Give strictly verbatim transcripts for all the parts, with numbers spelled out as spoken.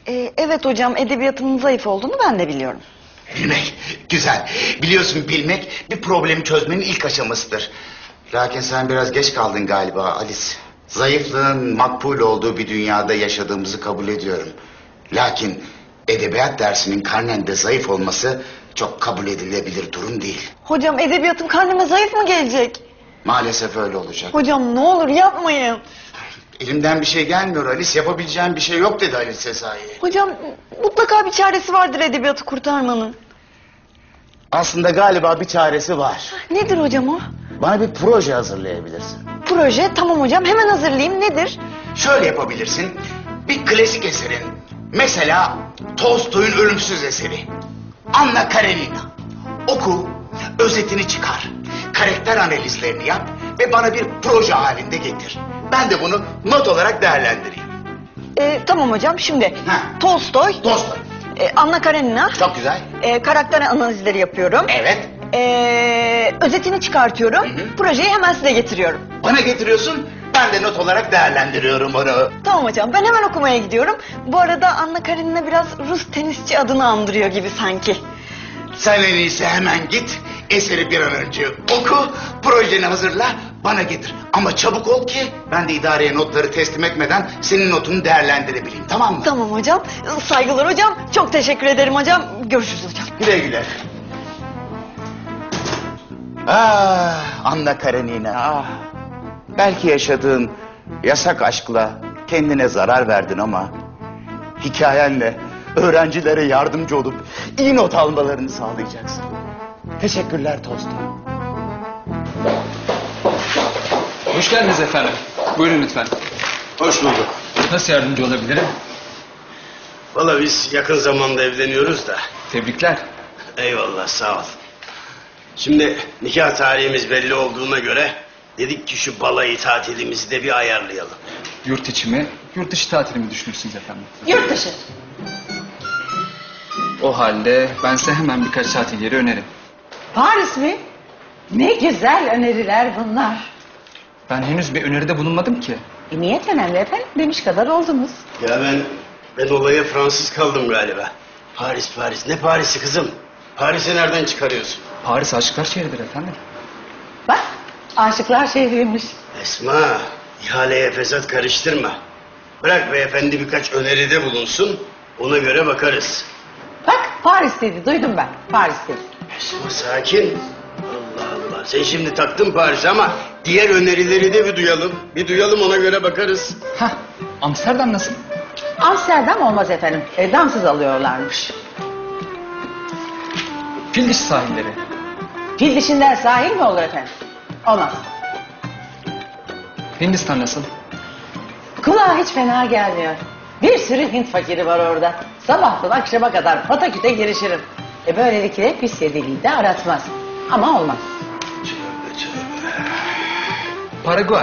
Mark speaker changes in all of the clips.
Speaker 1: Ee, evet hocam, edebiyatımın zayıf olduğunu ben de biliyorum.
Speaker 2: Bilmek güzel. Biliyorsun, bilmek bir problemi çözmenin ilk aşamasıdır. Lakin sen biraz geç kaldın galiba Alice. Zayıflığın makbul olduğu bir dünyada yaşadığımızı kabul ediyorum. Lakin edebiyat dersinin karnende zayıf olması çok kabul edilebilir durum değil.
Speaker 1: Hocam, edebiyatım karneme zayıf mı gelecek?
Speaker 2: Maalesef öyle olacak.
Speaker 1: Hocam ne olur yapmayın.
Speaker 2: Elimden bir şey gelmiyor Alice. Yapabileceğim bir şey yok dedi Alice Sezai.
Speaker 1: Hocam mutlaka bir çaresi vardır edebiyatı kurtarmanın.
Speaker 2: Aslında galiba bir çaresi var.
Speaker 1: Nedir hocam o?
Speaker 2: Bana bir proje hazırlayabilirsin.
Speaker 1: Proje, tamam hocam, hemen hazırlayayım. Nedir?
Speaker 2: Şöyle yapabilirsin. Bir klasik eserin, mesela Tolstoy'un ölümsüz eseri Anna Karenina. Oku, özetini çıkar, karakter analizlerini yap ve bana bir proje halinde getir. Ben de bunu not olarak değerlendireyim.
Speaker 1: Ee, tamam hocam, şimdi
Speaker 2: Ha.
Speaker 1: Tolstoy,
Speaker 2: Tolstoy.
Speaker 1: e, Anna Karenina,
Speaker 2: Çok güzel.
Speaker 1: e, karakter analizleri yapıyorum.
Speaker 2: Evet.
Speaker 1: E, özetini çıkartıyorum,
Speaker 2: Hı hı.
Speaker 1: projeyi hemen size getiriyorum.
Speaker 2: Bana getiriyorsun, ben de not olarak değerlendiriyorum onu.
Speaker 1: Tamam hocam, ben hemen okumaya gidiyorum. Bu arada Anna Karenina biraz Rus tenisçi adını andırıyor gibi sanki.
Speaker 2: Sen en iyisi hemen git, eseri bir an önce oku, projeni hazırla, bana getir. Ama çabuk ol ki ben de idareye notları teslim etmeden senin notunu değerlendirebileyim, tamam mı?
Speaker 1: Tamam hocam, saygılar hocam. Çok teşekkür ederim hocam. Görüşürüz hocam.
Speaker 2: Güle güle. Ah, Anna Karenina, ah. Belki yaşadığın yasak aşkla kendine zarar verdin ama hikayenle öğrencilere yardımcı olup iyi not almalarını sağlayacaksın. Teşekkürler Tolstoy.
Speaker 3: Hoş geldiniz efendim. Buyurun lütfen.
Speaker 4: Hoş bulduk.
Speaker 3: Nasıl yardımcı olabilirim?
Speaker 4: Vallahi biz yakın zamanda evleniyoruz da.
Speaker 3: Tebrikler.
Speaker 4: Eyvallah, sağ ol. Şimdi nikah tarihimiz belli olduğuna göre dedik ki şu balayı tatilimizi de bir ayarlayalım.
Speaker 3: Yurt içi mi, yurt dışı tatili mi düşünürsünüz efendim?
Speaker 1: Yurt dışı.
Speaker 3: O halde ben size hemen birkaç tatil yeri öneririm.
Speaker 5: Paris mi? Ne güzel öneriler bunlar.
Speaker 3: Ben henüz bir öneride bulunmadım ki.
Speaker 5: E, niyet önemli efendim, demiş kadar oldunuz.
Speaker 4: Ya ben, ben olaya Fransız kaldım galiba. Paris, Paris. Ne Paris'i kızım? Paris'i nereden çıkarıyorsun?
Speaker 3: Paris aşıklar şehridir efendim.
Speaker 5: Bak, aşıklar şehriymiş.
Speaker 4: Esma, ihaleye fesat karıştırma. Bırak beyefendi birkaç öneride bulunsun, ona göre bakarız.
Speaker 5: Bak, Paris dedi, duydum ben. Paris dedi.
Speaker 4: Esma sakin. Allah Allah. Sen şimdi taktın Paris ama diğer önerileri de bir duyalım. Bir duyalım, ona göre bakarız.
Speaker 3: Hah, Amsterdam nasıl?
Speaker 5: Amsterdam olmaz efendim, e, damsız alıyorlarmış.
Speaker 3: Fil dişi sahilleri.
Speaker 5: Fil dişinden sahil mi olur efendim? Olmaz.
Speaker 3: Hindistan nasıl?
Speaker 5: Kulağa hiç fena gelmiyor. Bir sürü Hint fakiri var orada. Sabahtan akşama kadar pataküte girişirim. E böylelikle pis yediliği de aratmaz. Ama olmaz.
Speaker 3: Paraguay.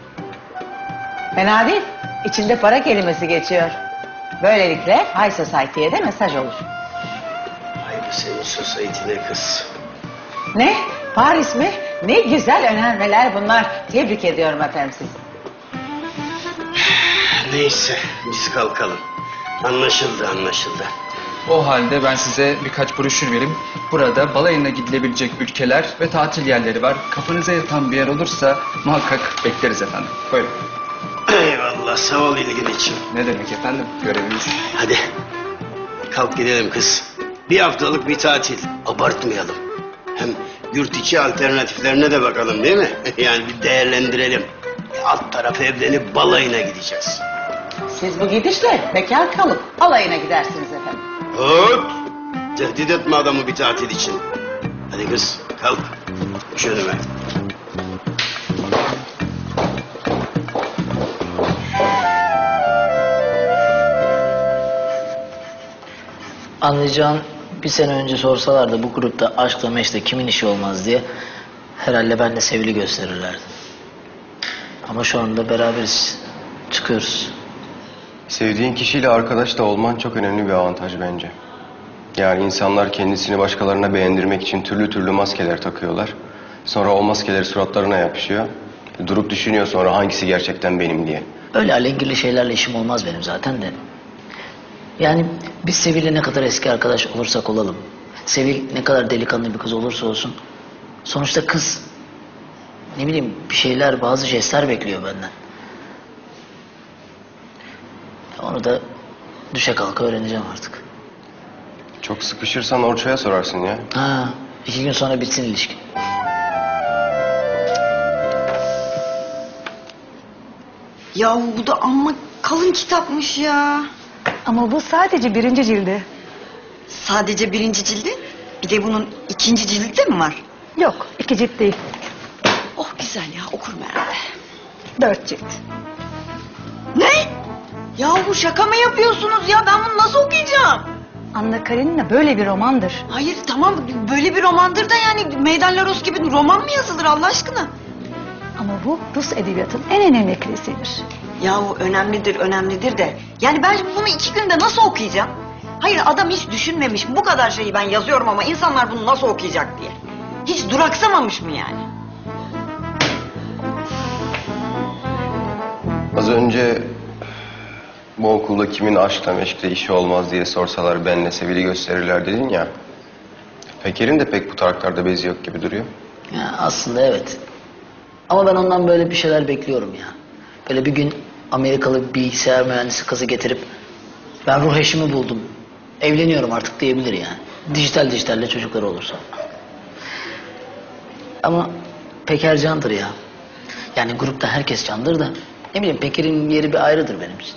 Speaker 5: Fena değil. İçinde para kelimesi geçiyor. Böylelikle High Society'ye de mesaj olur.
Speaker 4: Ay bu senin society'ne kız.
Speaker 5: Ne? Paris mi? Ne güzel önermeler bunlar. Tebrik ediyorum efendim sizi.
Speaker 4: Neyse biz kalkalım. Anlaşıldı anlaşıldı.
Speaker 3: O halde ben size birkaç broşür vereyim. Burada balayına gidilebilecek ülkeler ve tatil yerleri var. Kafanıza yatan bir yer olursa muhakkak bekleriz efendim. Buyurun.
Speaker 4: Eyvallah, sağ ol ilgin için.
Speaker 3: Ne demek efendim? Görevimiz.
Speaker 4: Hadi kalk gidelim kız. Bir haftalık bir tatil. Abartmayalım. Hem yurt içi alternatiflerine de bakalım değil mi? Yani bir değerlendirelim. Alt tarafı evlenip balayına gideceğiz.
Speaker 5: Siz bu gidişle bekar kalıp alayına gidersiniz efendim.
Speaker 4: Hop! Tehdit etme adamı bir tatil için. Hadi kız kalk. Düş önüme.
Speaker 6: Anlayacağın, bir sene önce sorsalardı bu grupta aşkla meşkle kimin işi olmaz diye herhalde ben de Sevil'i gösterirlerdi. Ama şu anda beraberiz. Çıkıyoruz.
Speaker 7: Sevdiğin kişiyle arkadaş da olman çok önemli bir avantaj bence. Yani insanlar kendisini başkalarına beğendirmek için türlü türlü maskeler takıyorlar. Sonra o maskeler suratlarına yapışıyor. Durup düşünüyor sonra hangisi gerçekten benim diye.
Speaker 6: Öyle alengirli şeylerle işim olmaz benim zaten de. Yani biz Sevil'le ne kadar eski arkadaş olursak olalım, Sevil ne kadar delikanlı bir kız olursa olsun, sonuçta kız, ne bileyim bir şeyler, bazı jestler bekliyor benden. Onu da düşe kalka öğreneceğim artık.
Speaker 7: Çok sıkışırsan Orço'ya sorarsın ya.
Speaker 6: Ha, iki gün sonra bitsin ilişki.
Speaker 1: Ya bu da amma kalın kitapmış ya.
Speaker 8: Ama bu sadece birinci cildi.
Speaker 1: Sadece birinci cildi. Bir de bunun ikinci cildi de mi var?
Speaker 8: Yok, iki cilt değil.
Speaker 1: Oh güzel ya, okurum herhalde.
Speaker 8: Dört cilt.
Speaker 1: Ne? Ya bu şaka mı yapıyorsunuz ya? Ben bunu nasıl okuyacağım?
Speaker 8: Anna Karenina böyle bir romandır.
Speaker 1: Hayır tamam, böyle bir romandır da yani Meydan Laros gibi roman mı yazılır Allah aşkına?
Speaker 8: Ama bu Rus edebiyatının en önemli klasiğidir.
Speaker 1: Yahu önemlidir önemlidir de. Yani ben bunu iki günde nasıl okuyacağım? Hayır adam hiç düşünmemiş. Bu kadar şeyi ben yazıyorum ama insanlar bunu nasıl okuyacak diye. Hiç duraksamamış mı yani?
Speaker 7: Az önce bu okulda kimin aşkla meşkle işi olmaz diye sorsalar benle Sevil'i gösterirler dedin ya. Peker'in de pek bu taraklarda bezi yok gibi duruyor.
Speaker 6: Ya aslında evet. Ama ben ondan böyle bir şeyler bekliyorum ya. Böyle bir gün Amerikalı bir bilgisayar mühendisi kızı getirip ben ruh eşimi buldum, evleniyorum artık diyebilir yani. Dijital dijitalle çocukları olursa. Ama Peker candır ya. Yani grupta herkes candır da ne bileyim Peker'in yeri bir ayrıdır benim için.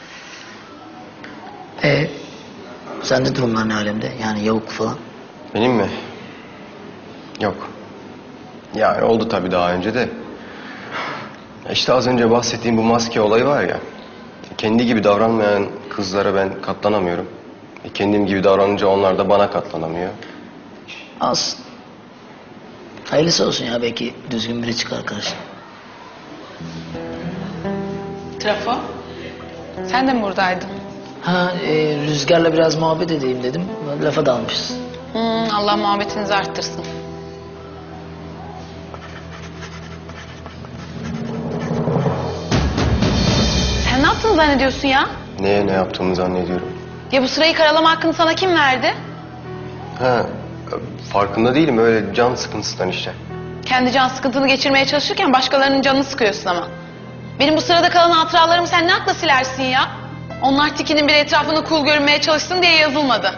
Speaker 6: E sende durumlar ne alemde? Yani Yavuk falan.
Speaker 7: Benim mi? Yok. Yani oldu tabii daha önce de. İşte az önce bahsettiğim bu maske olayı var ya. Kendi gibi davranmayan kızlara ben katlanamıyorum. E, Kendim gibi davranınca onlar da bana katlanamıyor.
Speaker 6: Az. Hayırlısı olsun ya, belki düzgün biri çıkar karşına.
Speaker 9: Trafo, sen de mi buradaydın?
Speaker 6: Ha e, Rüzgar'la biraz muhabbet edeyim dedim. Lafa dalmışız.
Speaker 9: Hmm, Allah muhabbetinizi arttırsın. Sen ne yaptığını zannediyorsun ya?
Speaker 7: Neye ne yaptığımı zannediyorum.
Speaker 9: Ya bu sırayı karalama hakkını sana kim verdi?
Speaker 7: Ha, farkında değilim, öyle can sıkıntısından işte.
Speaker 9: Kendi can sıkıntını geçirmeye çalışırken başkalarının canını sıkıyorsun ama. Benim bu sırada kalan hatıralarımı sen ne akla silersin ya? Onlar tikinin bir etrafını cool görünmeye çalışsın diye yazılmadı.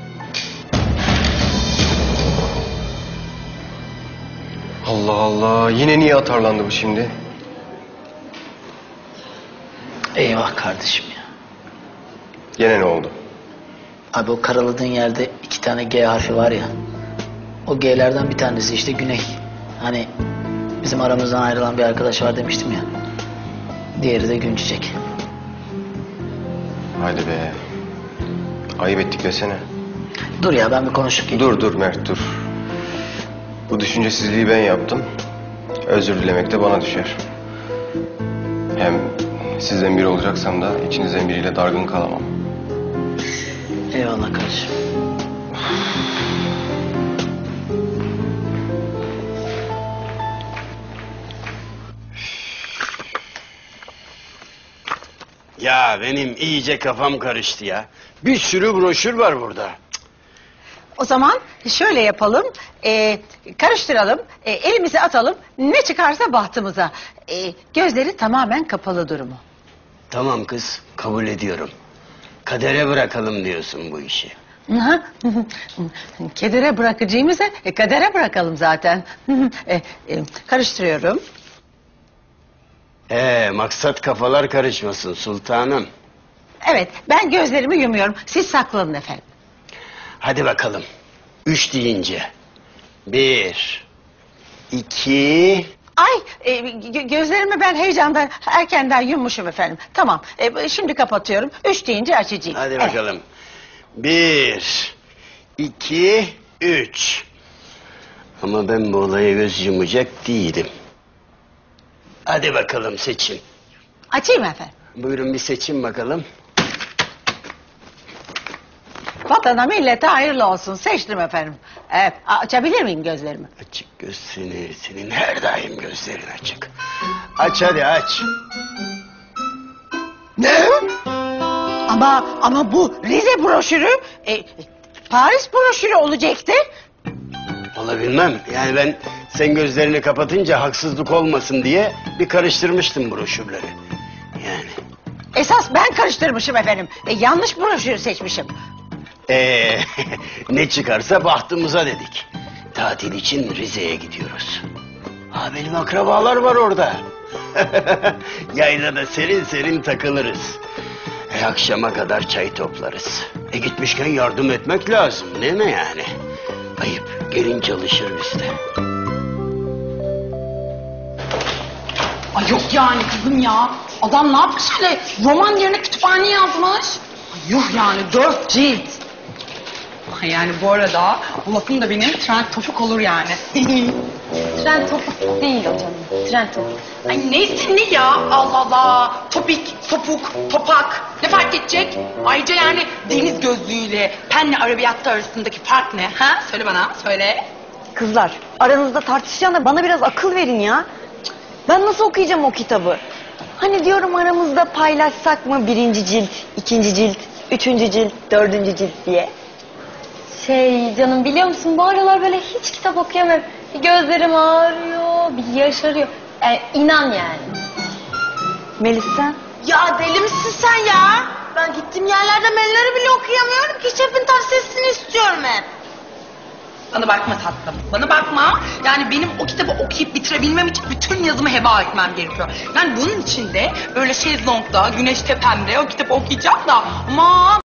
Speaker 7: Allah Allah, yine niye atarlandı bu şimdi?
Speaker 6: Eyvah kardeşim ya.
Speaker 7: Gene ne oldu?
Speaker 6: Abi o karaladığın yerde iki tane G harfi var ya. O G'lerden bir tanesi işte Güney. Hani bizim aramızdan ayrılan bir arkadaş var demiştim ya. Diğeri de Günçiçek.
Speaker 7: Hadi be. Ayıp ettik desene.
Speaker 6: Dur ya, ben bir konuşup geleyim.
Speaker 7: Dur dur Mert dur. Bu düşüncesizliği ben yaptım. Özür dilemek de bana düşer. Hem sizden biri olacaksam da içinizden biriyle dargın kalamam.
Speaker 6: Eyvallah kardeşim.
Speaker 4: Ya benim iyice kafam karıştı ya. Bir sürü broşür var burada.
Speaker 5: O zaman şöyle yapalım, e, karıştıralım, e, elimizi atalım, ne çıkarsa bahtımıza. E, gözleri tamamen kapalı durumu.
Speaker 4: Tamam kız, kabul ediyorum. Kadere bırakalım diyorsun bu işi.
Speaker 5: Hı hı. Kedere bırakacağımıza e, kadere bırakalım zaten. e, e, karıştırıyorum.
Speaker 4: Ee, maksat kafalar karışmasın sultanım.
Speaker 5: Evet, ben gözlerimi yumuyorum. Siz saklanın efendim.
Speaker 4: Hadi bakalım. Üç deyince. Bir, iki...
Speaker 5: Ay, e, gö- gözlerimi ben heyecandan erkenden yummuşum efendim. Tamam, e, şimdi kapatıyorum. Üç deyince açacağım.
Speaker 4: Hadi
Speaker 5: Evet.
Speaker 4: bakalım. Bir, iki, üç. Ama ben bu olaya göz yumacak değilim. Hadi bakalım seçin.
Speaker 5: Açayım efendim.
Speaker 4: Buyurun bir seçin bakalım.
Speaker 5: Vatana millete hayırlı olsun. Seçtim efendim. Evet, açabilir miyim gözlerimi?
Speaker 4: Açık göz seni, senin her daim gözlerin açık. Aç hadi aç. Ne?
Speaker 5: Ama ama bu Rize broşürü e, Paris broşürü olacaktı.
Speaker 4: Vallahi bilmem. Yani ben sen gözlerini kapatınca haksızlık olmasın diye bir karıştırmıştım broşürleri. Yani.
Speaker 5: Esas ben karıştırmışım efendim. E, yanlış broşürü seçmişim.
Speaker 4: Ee, ne çıkarsa bahtımıza dedik. Tatil için Rize'ye gidiyoruz. Ha benim akrabalar var orada. Yaylada serin serin takılırız. E, akşama kadar çay toplarız. E gitmişken yardım etmek lazım değil mi yani? Ayıp, gelin çalışır bizde.
Speaker 9: Ay yok yani kızım ya. Adam ne yapmış öyle roman yerine kütüphane yazmış. Ay yuh yani dört cilt. Ay yani bu arada bu lafım da benim trend topuk olur yani.
Speaker 10: Tren topuk değil o canım. Tren topuk.
Speaker 9: Ay neyse ne ya Allah Allah. Topik, topuk, topak ne fark edecek? Ayrıca yani deniz gözlüğüyle penle arabiyatta arasındaki fark ne? Ha? Söyle bana söyle.
Speaker 1: Kızlar aranızda tartışacağına bana biraz akıl verin ya. Cık, ben nasıl okuyacağım o kitabı? Hani diyorum aramızda paylaşsak mı birinci cilt, ikinci cilt, üçüncü cilt, dördüncü cilt diye.
Speaker 10: Şey canım biliyor musun bu aralar böyle hiç kitap okuyamıyorum. Bir gözlerim ağrıyor, bir yaşarıyor. Yani inan yani.
Speaker 1: Melis sen?
Speaker 9: Ya deli misin sen ya? Ben gittiğim yerlerde menüleri bile okuyamıyorum ki şefin tavsiyesini istiyorum hep. Bana bakma tatlım, bana bakma. Yani benim o kitabı okuyup bitirebilmem için bütün yazımı heba etmem gerekiyor. Yani bunun için de böyle şezlongda, güneş tepemde o kitabı okuyacağım da aman...